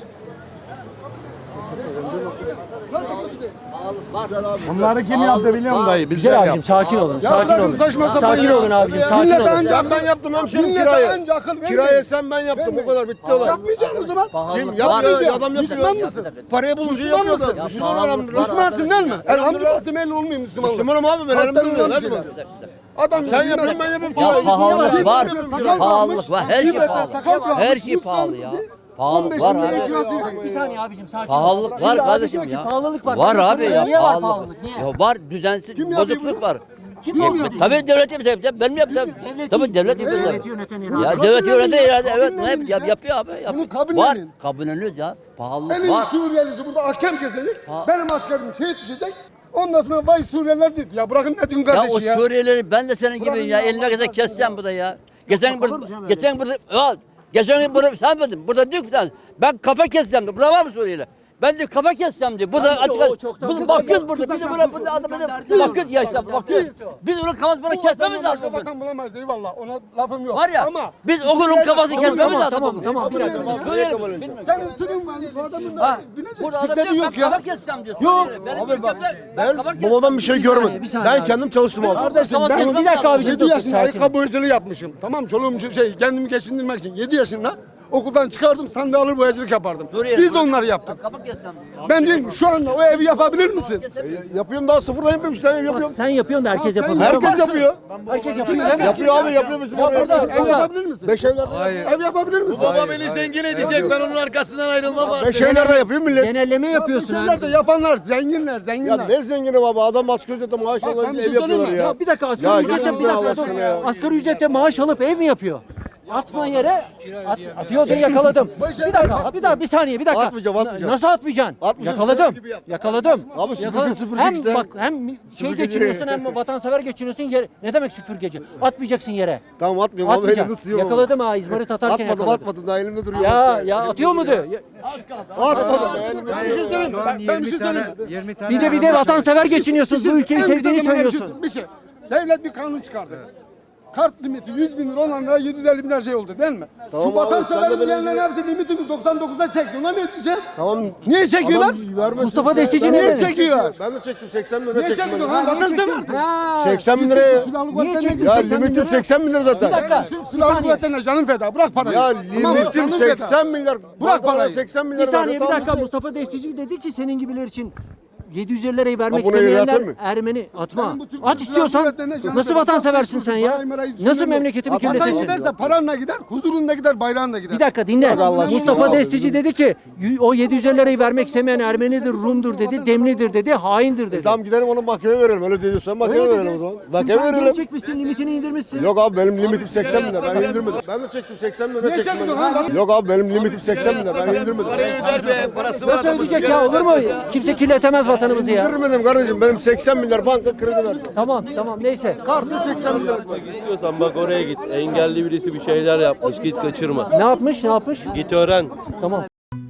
[SPEAKER 3] Bunları kim yaptı biliyor musun dayı? Bizler
[SPEAKER 2] Güzel abicim
[SPEAKER 3] yaptı.
[SPEAKER 2] sakin olun.
[SPEAKER 6] Ya
[SPEAKER 2] Sakin
[SPEAKER 6] bırakın
[SPEAKER 2] olun.
[SPEAKER 6] saçma sapan
[SPEAKER 2] Sakin
[SPEAKER 6] ya.
[SPEAKER 2] olun abicim. Sakin
[SPEAKER 6] Millete
[SPEAKER 2] olun.
[SPEAKER 6] önce ben yaptım hemşerim
[SPEAKER 3] Millete
[SPEAKER 6] kirayı.
[SPEAKER 3] önce akıl vermeyin.
[SPEAKER 6] Kirayı sen ben yaptım o kadar bitti olay.
[SPEAKER 3] Yapmayacaksın o zaman.
[SPEAKER 6] Kim
[SPEAKER 5] Pahalılık
[SPEAKER 6] yapmıyor
[SPEAKER 5] var.
[SPEAKER 6] ya adam yapıyor.
[SPEAKER 3] Müslüman mısın?
[SPEAKER 6] Parayı bulunca
[SPEAKER 3] Müslüman
[SPEAKER 6] yapıyor
[SPEAKER 3] mısın?
[SPEAKER 6] da.
[SPEAKER 5] Ya
[SPEAKER 6] Müslüman
[SPEAKER 5] pahalılık
[SPEAKER 6] elhamdülillah.
[SPEAKER 5] var.
[SPEAKER 3] Müslümansın değil mi? Elhamdülillah temelli olmayayım Müslüman.
[SPEAKER 6] Müslümanım abi ben
[SPEAKER 3] Kalpten
[SPEAKER 6] elhamdülillah.
[SPEAKER 3] olan
[SPEAKER 6] Hadi
[SPEAKER 3] şeyler.
[SPEAKER 6] bakalım.
[SPEAKER 3] Adam
[SPEAKER 6] Sen yapıyorsun ben yapıyorum.
[SPEAKER 5] Ya
[SPEAKER 6] kirayı.
[SPEAKER 5] pahalılık var.
[SPEAKER 3] Sakal
[SPEAKER 5] Pahalılık var. Her şey
[SPEAKER 3] Kıbrıs'ta
[SPEAKER 5] pahalı.
[SPEAKER 3] sakal bırakmış,
[SPEAKER 5] Her şey
[SPEAKER 3] Müslüman
[SPEAKER 5] pahalı ya.
[SPEAKER 3] dedi.
[SPEAKER 5] Pahalılık
[SPEAKER 3] on beş
[SPEAKER 5] var
[SPEAKER 3] bin lira
[SPEAKER 5] abi.
[SPEAKER 3] kirası.
[SPEAKER 2] Bir saniye abicim sakin
[SPEAKER 5] Pahalılık
[SPEAKER 2] olun.
[SPEAKER 5] var
[SPEAKER 2] Şimdi abi
[SPEAKER 5] kardeşim
[SPEAKER 2] diyor ki
[SPEAKER 5] ya.
[SPEAKER 2] pahalılık var.
[SPEAKER 5] Var
[SPEAKER 2] Ben de
[SPEAKER 5] abi
[SPEAKER 2] soruyorum,
[SPEAKER 5] ya.
[SPEAKER 2] Niye var
[SPEAKER 5] pahalılık.
[SPEAKER 2] pahalılık? Niye?
[SPEAKER 5] Ya var düzensiz
[SPEAKER 3] Kim yapıyor
[SPEAKER 5] bozukluk
[SPEAKER 3] bunu?
[SPEAKER 5] var.
[SPEAKER 2] Kim yapıyor?
[SPEAKER 5] Tabii devlet yapıyor. Ben mi yapacağım?
[SPEAKER 2] Devlet
[SPEAKER 5] Tabii
[SPEAKER 2] değil.
[SPEAKER 5] devlet yapıyor.
[SPEAKER 2] Devleti yöneten irade.
[SPEAKER 5] Ya
[SPEAKER 3] Kabul
[SPEAKER 5] devlet yöneten
[SPEAKER 3] edin ya,
[SPEAKER 5] irade evet
[SPEAKER 3] kabul
[SPEAKER 5] ne
[SPEAKER 3] edin
[SPEAKER 5] yap, yap-
[SPEAKER 3] işte.
[SPEAKER 5] yapıyor abi. Yap.
[SPEAKER 3] Bunu kabul
[SPEAKER 5] var.
[SPEAKER 3] edin.
[SPEAKER 5] Kabulleniriz ya. Pahalılık
[SPEAKER 3] Elin
[SPEAKER 5] var.
[SPEAKER 3] Suriyelisi burada ahkam kesecek.
[SPEAKER 5] Ha.
[SPEAKER 3] Benim askerim şehit düşecek. Ondan sonra vay Suriyeliler dedi. Ya bırakın ne diyorsun
[SPEAKER 5] Ya o
[SPEAKER 3] kardeşi ya.
[SPEAKER 5] Suriyelileri ben de senin
[SPEAKER 3] Bırakın
[SPEAKER 5] gibi ya
[SPEAKER 3] ya,
[SPEAKER 5] elime
[SPEAKER 3] Allah
[SPEAKER 5] kadar
[SPEAKER 3] aşkına
[SPEAKER 5] keseceğim burada ya. Geçen
[SPEAKER 2] Yapılır
[SPEAKER 5] burada
[SPEAKER 2] mı canım öyle
[SPEAKER 5] geçen burada ya geçen gün burada sen dedin. Burada diyor ki bir tane, ben kafa keseceğim diyor. Burada var mı Suriyeli? Ben de kafa keseceğim diyor. Burada
[SPEAKER 2] Bence
[SPEAKER 5] açık
[SPEAKER 2] o
[SPEAKER 5] açık.
[SPEAKER 2] çoktan
[SPEAKER 5] Burada
[SPEAKER 2] kısa
[SPEAKER 5] bakıyoruz
[SPEAKER 2] gel-
[SPEAKER 5] burada.
[SPEAKER 3] kısa
[SPEAKER 5] Biz de
[SPEAKER 3] gel-
[SPEAKER 5] burada burada adamı
[SPEAKER 2] Derdi yok.
[SPEAKER 5] bakıyoruz ya işte bakıyoruz. Biz onun kafasını
[SPEAKER 3] Bu
[SPEAKER 5] kesmemiz
[SPEAKER 3] vatandan
[SPEAKER 5] lazım.
[SPEAKER 3] başka
[SPEAKER 5] bugün.
[SPEAKER 3] vatan bulamayız eyvallah. Ona lafım yok.
[SPEAKER 5] Var ya
[SPEAKER 3] Ama
[SPEAKER 5] biz o günün kafasını
[SPEAKER 3] Tamam,
[SPEAKER 5] kesmemiz
[SPEAKER 2] Tamam
[SPEAKER 5] lazım.
[SPEAKER 2] tamam
[SPEAKER 5] bugün.
[SPEAKER 2] tamam bir dakika.
[SPEAKER 5] Suriyeli bilmiyorum.
[SPEAKER 3] senin tüdün var. Bu adamın
[SPEAKER 5] Ha,
[SPEAKER 3] da binecek
[SPEAKER 5] burada adam
[SPEAKER 3] bisikleti
[SPEAKER 5] diyor
[SPEAKER 3] yok
[SPEAKER 5] ben kafa
[SPEAKER 3] ya.
[SPEAKER 5] keseceğim diyor.
[SPEAKER 6] Yok
[SPEAKER 5] Suriyeli. Benim
[SPEAKER 6] abi bak
[SPEAKER 5] ülkemde
[SPEAKER 6] ben
[SPEAKER 5] kafa keseceğim.
[SPEAKER 6] babadan bir şey
[SPEAKER 2] Bir saniye,
[SPEAKER 6] görmedim.
[SPEAKER 2] bir saniye
[SPEAKER 6] Ben
[SPEAKER 2] abi.
[SPEAKER 6] kendim çalıştım abi.
[SPEAKER 3] Kardeşim
[SPEAKER 5] Tamam,
[SPEAKER 3] ben
[SPEAKER 5] bir dakika abi,
[SPEAKER 3] yedi
[SPEAKER 2] dur,
[SPEAKER 3] yaşında
[SPEAKER 2] sakin.
[SPEAKER 3] ayakkabı hırcılığı yapmışım. Tamam çoluğum şey kendimi geçindirmek için yedi yaşında
[SPEAKER 6] Okuldan çıkardım sandığı alır boyacılık yapardım.
[SPEAKER 5] Suriye-
[SPEAKER 6] Biz de onları yaptık.
[SPEAKER 5] Kafa kessem diyor.
[SPEAKER 6] Ben diyorum şu anda o evi yapabilir misin? yapıyorum daha sıfırdan yapıyorum işte ev yapıyorum.
[SPEAKER 2] Sen yapıyorsun da herkes
[SPEAKER 6] Sen
[SPEAKER 2] yapamıyor.
[SPEAKER 6] herkes yapıyor.
[SPEAKER 2] Herkes yapıyor. değil mi?
[SPEAKER 6] Yapıyor abi yapıyor bizim orada.
[SPEAKER 2] burada,
[SPEAKER 6] Ev
[SPEAKER 2] burada.
[SPEAKER 6] yapabilir misin? Beş evlerde ev yapabilir misin?
[SPEAKER 9] Baba beni zengin edecek ben onun arkasından ayrılmam abi.
[SPEAKER 6] Beş evlerde yapıyor millet.
[SPEAKER 2] Genelleme yapıyorsun
[SPEAKER 6] Beş
[SPEAKER 2] abi.
[SPEAKER 6] evlerde yapanlar zenginler
[SPEAKER 9] Ya
[SPEAKER 6] zenginler.
[SPEAKER 9] ne zengini baba adam asgari ücretle maaş
[SPEAKER 6] Bak, ben
[SPEAKER 9] alan
[SPEAKER 6] bir
[SPEAKER 9] ev
[SPEAKER 6] şey
[SPEAKER 9] yapıyorlar
[SPEAKER 6] söyleyeyim mi?
[SPEAKER 9] ya.
[SPEAKER 2] Ya bir dakika
[SPEAKER 9] Ya
[SPEAKER 2] asgari ücretle
[SPEAKER 9] gidin
[SPEAKER 2] bir dakika
[SPEAKER 9] Allah
[SPEAKER 2] dur.
[SPEAKER 9] aşkına ya.
[SPEAKER 2] Asgari ücretle maaş alıp ev mi yapıyor? Atma yere. At, atıyor da yakaladım. Bir dakika, bir daha bir saniye, bir dakika.
[SPEAKER 9] Atmayacağım, atmayacağım.
[SPEAKER 2] Nasıl atmayacaksın?
[SPEAKER 9] Atmayacağım,
[SPEAKER 2] Yakaladım.
[SPEAKER 9] süpürge gibi yap.
[SPEAKER 2] Yakaladım.
[SPEAKER 9] Abi süpürge
[SPEAKER 2] Yakaladım.
[SPEAKER 9] süpürecek
[SPEAKER 2] Hem
[SPEAKER 9] işte.
[SPEAKER 2] bak hem şey
[SPEAKER 9] Süpürgeci.
[SPEAKER 2] geçiniyorsun hem vatansever geçiniyorsun. Yere, ne demek süpürgeci? Atmayacaksın yere.
[SPEAKER 9] Tamam atmıyorum abi elimde
[SPEAKER 2] Atmayacaksın.
[SPEAKER 9] tutuyorum.
[SPEAKER 2] Yakaladım ha izmarit atarken
[SPEAKER 9] Atmadım
[SPEAKER 2] yakaladım.
[SPEAKER 9] atmadım daha elimde duruyor.
[SPEAKER 2] Ya ya atıyor mu diyor? Ya-
[SPEAKER 9] Atmadım ya elimde
[SPEAKER 6] Bir şey söyleyeyim mi? Ben, ben bir şey söyleyeyim mi?
[SPEAKER 2] Bir de bir de vatansever geçiniyorsun. Bu ülkeyi
[SPEAKER 6] En
[SPEAKER 2] sevdiğini
[SPEAKER 6] güzel
[SPEAKER 2] söylüyorsun.
[SPEAKER 6] Bir şey. Devlet bir kanun çıkardı. Kart limiti yüz bin lira olanlara yedi yüz elli bin lira şey oldu değil mi?
[SPEAKER 9] Tamam
[SPEAKER 6] Şu
[SPEAKER 9] abi, sen de
[SPEAKER 6] vatansever
[SPEAKER 9] benim
[SPEAKER 6] diyenlerin
[SPEAKER 9] gibi-
[SPEAKER 6] hepsi limitini doksan dokuza çekti. Ona ne diyeceğim?
[SPEAKER 9] Tamam.
[SPEAKER 6] Niye çekiyorlar?
[SPEAKER 9] Adam vermesin.
[SPEAKER 2] Mustafa Destici
[SPEAKER 9] Ben-
[SPEAKER 2] ne
[SPEAKER 6] Niye
[SPEAKER 2] dedi?
[SPEAKER 6] çekiyorlar?
[SPEAKER 9] Ben de çektim seksen bin lira
[SPEAKER 6] Niye
[SPEAKER 9] çektim.
[SPEAKER 6] çekiyorsun?
[SPEAKER 9] ben.
[SPEAKER 6] Ha, vatansever.
[SPEAKER 2] Ha.
[SPEAKER 9] seksen bin liraya.
[SPEAKER 2] Niye çektin
[SPEAKER 9] Ya
[SPEAKER 2] seksen bin
[SPEAKER 9] limitim
[SPEAKER 2] lira?
[SPEAKER 9] seksen bin lira zaten.
[SPEAKER 2] Bir dakika.
[SPEAKER 6] Türk
[SPEAKER 2] Bir
[SPEAKER 6] Silahlı
[SPEAKER 2] saniye.
[SPEAKER 6] Kuvvetleri'ne canın feda. Bırak parayı.
[SPEAKER 9] Ya
[SPEAKER 6] Tamam mı?
[SPEAKER 9] limitim
[SPEAKER 6] Canın feda.
[SPEAKER 9] seksen milyar.
[SPEAKER 6] Bırak parayı.
[SPEAKER 9] seksen
[SPEAKER 2] Bir
[SPEAKER 9] milyar.
[SPEAKER 2] saniye bir
[SPEAKER 9] verdi,
[SPEAKER 2] dakika
[SPEAKER 9] tamam.
[SPEAKER 2] Mustafa Destici dedi ki senin gibiler için yedi yüz elli lirayı vermek
[SPEAKER 9] Ha, buna göre
[SPEAKER 2] istemeyenler
[SPEAKER 9] atır mı?
[SPEAKER 2] Ermeni atma.
[SPEAKER 6] Benim bu Türk
[SPEAKER 2] At
[SPEAKER 6] Silahlı
[SPEAKER 2] istiyorsan
[SPEAKER 6] Kuvvetleri'ne canım
[SPEAKER 2] nasıl
[SPEAKER 6] feda.
[SPEAKER 2] vatanseversin sen ya?
[SPEAKER 6] Parayı marayı
[SPEAKER 2] Nasıl
[SPEAKER 6] düşünmüyorum.
[SPEAKER 2] memleketimi
[SPEAKER 6] Vatan
[SPEAKER 2] kirletirsin?
[SPEAKER 6] giderse paranla gider, huzurunla gider, bayrağınla gider.
[SPEAKER 2] Bir dakika dinle.
[SPEAKER 9] Bak Allah aşkına
[SPEAKER 2] Mustafa
[SPEAKER 9] abi.
[SPEAKER 2] Destici dedi ki y- o yedi yüz elli lirayı vermek istemeyen Ermenidir, Rum'dur dedi, Demlidir dedi, haindir dedi.
[SPEAKER 9] Tamam gidelim onu mahkemeye verelim. Öyle diyorsan mahkemeye
[SPEAKER 2] Öyle
[SPEAKER 9] verelim o
[SPEAKER 2] dedi.
[SPEAKER 9] zaman.
[SPEAKER 2] Şimdi
[SPEAKER 9] Mahkemeye
[SPEAKER 2] sen geri
[SPEAKER 9] verelim.
[SPEAKER 2] çekmişsin, limitini indirmişsin.
[SPEAKER 9] Yok abi benim limitim seksen bin lira. Ben indirmedim. Ben de çektim seksen bin lira
[SPEAKER 6] Niye
[SPEAKER 9] çektim.
[SPEAKER 6] çekiyorsun
[SPEAKER 9] ben.
[SPEAKER 6] lan?
[SPEAKER 9] Yok abi benim limitim seksen bin lira. Ben indirmedim.
[SPEAKER 2] Nasıl ödeyecek ya olur mu? Kimse kirletemez vatanımızı ya.
[SPEAKER 9] İndirmedim kardeşim. Benim seksen milyar banka kredi verdi.
[SPEAKER 2] Tamam tamam neyse.
[SPEAKER 9] Kartı seksen milyar.
[SPEAKER 11] İstiyorsan bak oraya git. Engelli birisi bir şeyler yapmış. Git kaçırma.
[SPEAKER 2] Ne yapmış ne yapmış?
[SPEAKER 11] Git öğren.
[SPEAKER 2] Tamam.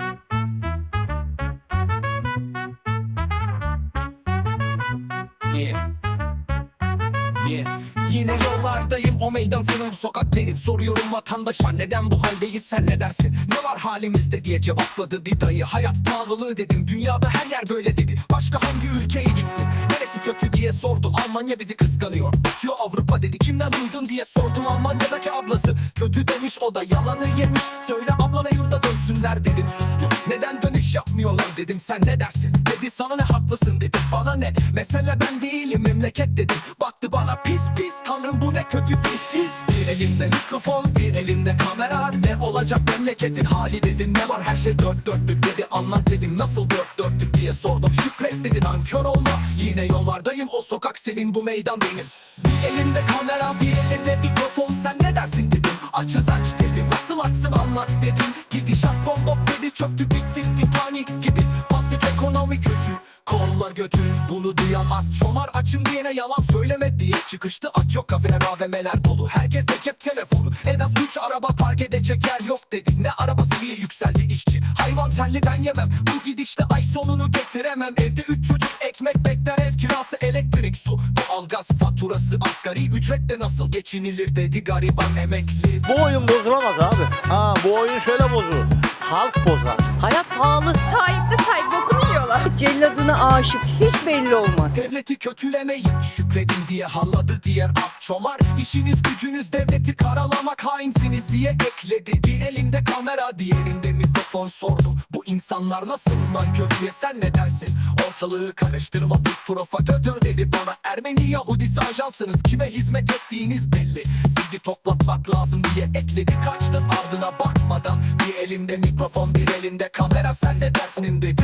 [SPEAKER 12] Yine yollardayım o meydan senin bu sokak benim. Soruyorum vatandaşa neden bu haldeyiz sen ne dersin? Ne var halimizde diye cevapladı bir dayı. Hayat pahalılığı dedim dünyada her yer böyle dedi. Başka hangi ülkeye gittin? Neresi kötü diye sordum. Almanya bizi kıskanıyor. Bitiyor Avrupa dedi. Kimden duydun diye sordum. Almanya'daki ablası kötü demiş, o da yalanı yemiş. Söyle ablana yurda dönsünler dedim, sustu. Neden dönüş yapmıyorlar dedim, sen ne dersin? Dedi sana ne, haklısın dedim, bana ne? Mesele ben değilim memleket dedim. Baktı bana pis pis, tanrım bu ne kötü bir his. Bir elimde mikrofon bir elimde kamera. Ne olacak memleketin hali dedim. Ne var her şey dört dörtlük dedi, anlat dedim. Nasıl dört dörtlük diye sordum, şükret dedi. Nankör olma, yine yollardayım, o sokak senin bu meydan benim. Bir elimde kamera bir elimde mikrofon, sen ne dersin dedim. Açız aç dedim, nasıl aksın anlat dedim. Gidişat bombok dedi, çöktü bitti Titanic gibi. Battık ekonomi kötü, kollar götü. Bunu duyan aç çomar, açım diyene yalan söyleme diye çıkıştı. Aç yok kafeler A V M'ler dolu, herkes de cep telefonu. En az üç araba park edecek yer yok dedi. Ne arabası diye yükseldi işçi. Hayvan telli ben yemem, bu gidişte ay sonunu getiremem. Evde üç çocuk ekmek bekler, ev kirası elektrik su. Doğalgaz faturası asgari ücretle nasıl geçinilir dedi gariban emekli.
[SPEAKER 6] Bu oyun bozulamaz abi. Ha bu oyun şöyle bozulur. Halk bozar.
[SPEAKER 10] Hayat pahalı. Tayyip de Tayyip bokunu yiyorlar. Celladına aşık hiç belli olmaz.
[SPEAKER 12] Devleti kötülemeyin, şükredin diye halladı diğer ak çomar. İşiniz gücünüz devleti karalamak, hainsiniz diye ekledi. Bir elinde kamera diğerinde mikrofon, sordum. Bu insanlar nasıl nankör diye sen ne dersin? Ortalığı karıştırma biz provokatör dedi bana. Ermeni Yahudisi ajansınız, kime hizmet ettiğiniz belli. Sizi toplatmak lazım diye ekledi, kaçtı ardına bakmadan. Bir elimde mikrofon bir elinde kamera, sen ne dersin dedi.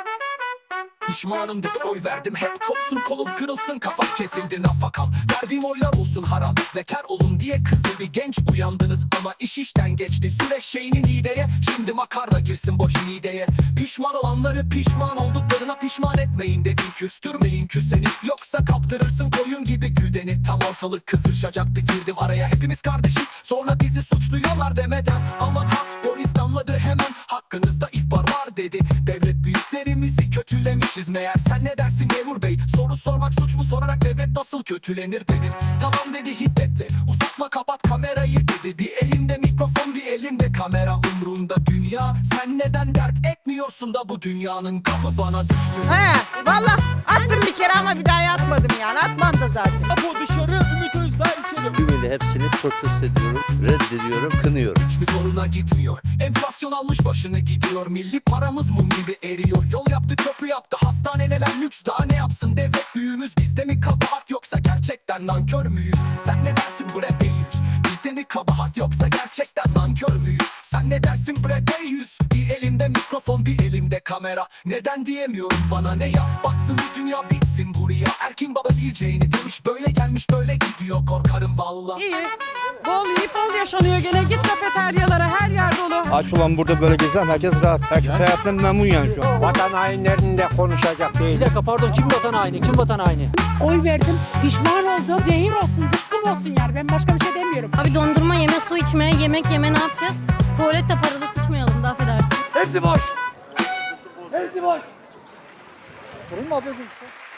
[SPEAKER 12] Pişmanım dedi, oy verdim hep kopsun kolum kırılsın, kafam kesildi nafakam. Verdiğim oylar olsun haram, beter olun diye kızdı bir genç. Uyandınız ama iş işten geçti, süreç şeyinin ideye. Şimdi makarna girsin boş ideye. Pişman olanları pişman olduklarına pişman etmeyin dedim. Küstürmeyin küseni, yoksa kaptırırsın koyun gibi güdeni. Tam ortalık kızışacaktı, girdim araya, hepimiz kardeşiz. Sonra bizi suçluyorlar demeden, aman ha polis damladı hemen. Hakkınızda ihbar var dedi, devlet büyüklerimizi kötülemişiz meğer. Sen ne dersin memur bey, soru sormak suç mu, sorarak devlet nasıl kötülenir dedim. Tamam dedi hiddetle, uzatma kapat kamerayı dedi. Bir elinde mikrofon bir elinde kamera, umrunda dünya. Sen neden dert etmiyorsun da bu dünyanın gamı bana düştü.
[SPEAKER 10] He valla attım bir kere ama bir daha atmadım yani. Atmam da zaten.
[SPEAKER 3] Apo dışarı, Ümit Özdağ içeri.
[SPEAKER 5] Tümüyle hepsini protesto ediyorum, reddediyorum, kınıyorum.
[SPEAKER 12] Hiçbir zoruna gitmiyor. Enflasyon almış başını gidiyor. Milli paramız mum gibi eriyor. Yol yaptı, köprü yaptı, hastaneler lüks. Daha ne yapsın devlet büyüğümüz? Bizde mi kabahat yoksa gerçekten nankör müyüz? Sen ne dersin bre beyüz? Bizde mi kabahat yoksa gerçekten nankör müyüz? Sen ne dersin bre beyüz? Bir elimde mikrofon, bir elimde kamera. Neden diyemiyorum, bana ne ya? Baksın bu dünya, bitsin buraya. Erkin baba diyeceğini demiş, böyle gelmiş böyle gidiyor. Korkarım valla.
[SPEAKER 10] İyi. Bol yiyip bol yaşanıyor gene. Git kafeteryalara, her yer dolu.
[SPEAKER 11] Aç olan burada böyle gezen herkes rahat. Herkes hayatından memnun yani şu an.
[SPEAKER 8] Vatan hainlerinde konuşacak değil.
[SPEAKER 2] Bir dakika pardon, kim vatan haini? Kim vatan haini?
[SPEAKER 10] Oy verdim. Pişman oldum. Zehir olsun, zıkkım olsun yani. Ben başka bir şey demiyorum.
[SPEAKER 13] Abi dondurma yeme, su içme, yemek yeme ne yapacağız? Tuvalette paralı sıçmayalım da affedersin.
[SPEAKER 3] Hepsi boş. Hepsi boş.
[SPEAKER 2] Sorun mu ablacığım?